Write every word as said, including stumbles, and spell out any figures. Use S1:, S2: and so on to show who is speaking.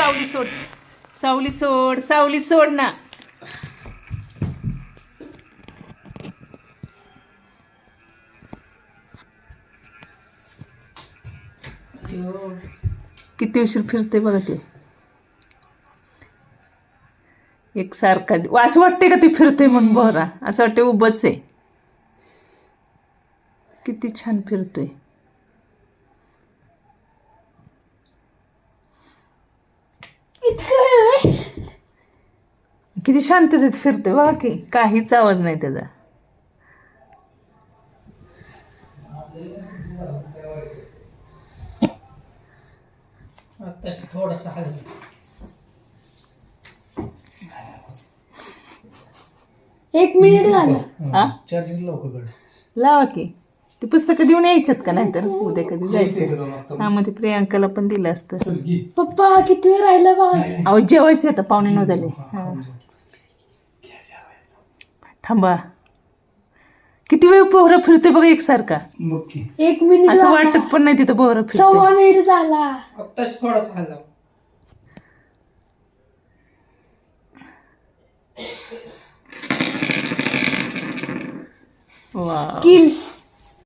S1: सावली सोड, सावली सोड, सावली सोड ना. किती उशीर फिरते बघा ते. एक सारखा असं वाटते का ती फिरते म्हणून बोरा, असं वाटते उभंच आहे. किती छान फिरतोय. किती शांततेत फिरते बघा की, काहीच आवाज नाही त्याचा.
S2: थोडासा एक मिनिट झालं.
S1: हा
S2: चार्जिंग लवकर
S1: लावा की. ती पुस्तकं देऊन यायच्यात का, नाही तर उद्या कधी जायचं. हा मग ते प्रियांकाला पण दिलं असतं.
S2: पप्पा किती वेळ राहिला बघा.
S1: अहो जेवायचं आता, पावणे नऊ झाले. हा थांबा. किती वेळ पोहरा फिरते बघा एकसारखा.
S2: एक मिनिट
S1: असं वाटत पण नाही तिथं पोहरा फिरते.
S2: सव्वा मिनिट झाला. आत्ताच थोडासा हल्ला.
S1: वाव.
S2: स्किल्स